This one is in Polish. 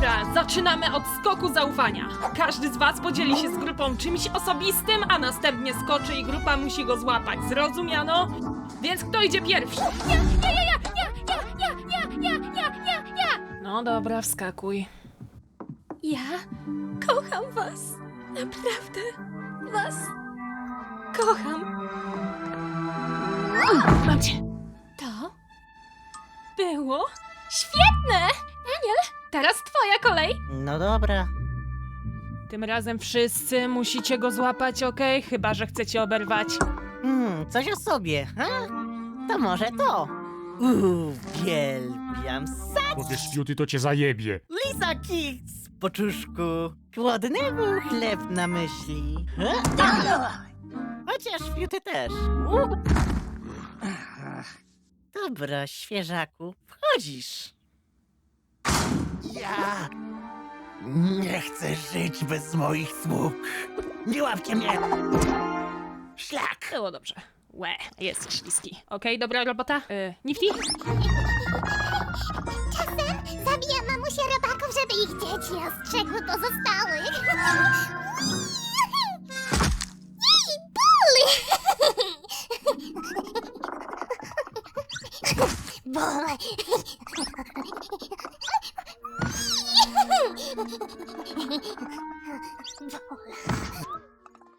Dobra, zaczynamy od skoku zaufania. Każdy z was podzieli się z grupą czymś osobistym, a następnie skoczy i grupa musi go złapać. Zrozumiano? Więc kto idzie pierwszy? Ja. No dobra, wskakuj. Ja kocham was. Naprawdę. Was kocham. Mam cię. To było świetne! Daniel, teraz twoja kolej. No dobra. Tym razem wszyscy musicie go złapać, okej? Chyba że chcecie oberwać. Coś o sobie, ha? To może to. Uwielbiam Powiesz Beauty, to cię zajebie. Lisa Kicks, poczuszku. Głodny był chleb na myśli. Chociaż Beauty też. Dobra, świeżaku, wchodzisz. Ja nie chcę żyć bez moich sług. Nie łapcie mnie! Szlak! Było dobrze. Łe, jesteś śliski. Okej, dobra robota? Nifty? Czasem zabijam mamusię robaków, żeby ich dzieci ostrzegły pozostałych. Jej, ból! Ból!